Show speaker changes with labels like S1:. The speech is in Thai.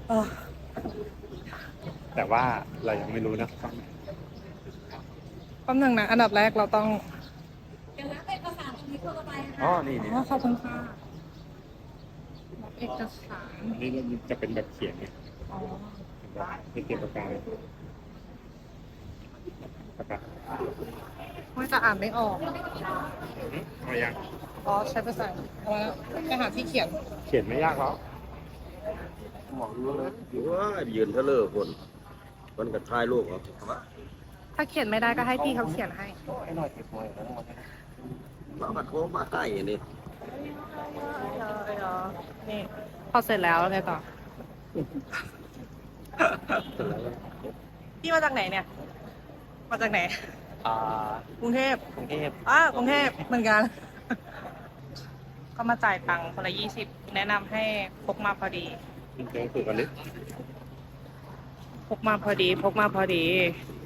S1: อ๋อ
S2: แต่ว่าเรายังไม่รู้นะ
S1: แป๊บนึงนะอันดับแรกเราต้อง
S3: เดี๋ยวรับเอกสารตรงนี้เข้าไป
S2: อ๋อ
S3: ค่ะ
S2: นี่นี่
S1: อ๋อขอบคุณค่ะรับเอกสาร
S2: อันนี้จะเป็นแบบเขียนไง
S1: อ๋อ
S2: ไม่เขียนปากกาเลยปากกา
S1: ไม่จะอ่านไม่ออก
S2: เอายัง
S1: อ๋อใช้ภาษาเอาแล้วไปหาที่เขียน
S2: เขียนไม่ยากหรอก
S4: หมอรู้แล้วอยู่ว่ายืนเทเลอร์คนกับทายลูกเหรอ
S1: ถ้าเขียนไม่ได้ก็ให้พี่เขาเขียนให้
S2: ให้หน่อยเก็บหน่อยแล้วมัน
S4: เราก็โทรมาให้นี่
S1: นี่พอเสร็จแล้วไงต่อ พี่มาจากไหนเนี่ย มาจากไหน กรุงเทพ
S2: กรุงเทพ
S1: กรุงเทพเหมือนกัน ก็มาจ่ายตังค์คนละ20แนะนำให้พกมาพอดี
S2: เจอฝึกกันดิ
S1: พกมาพอดี พกมาพอดี
S2: อ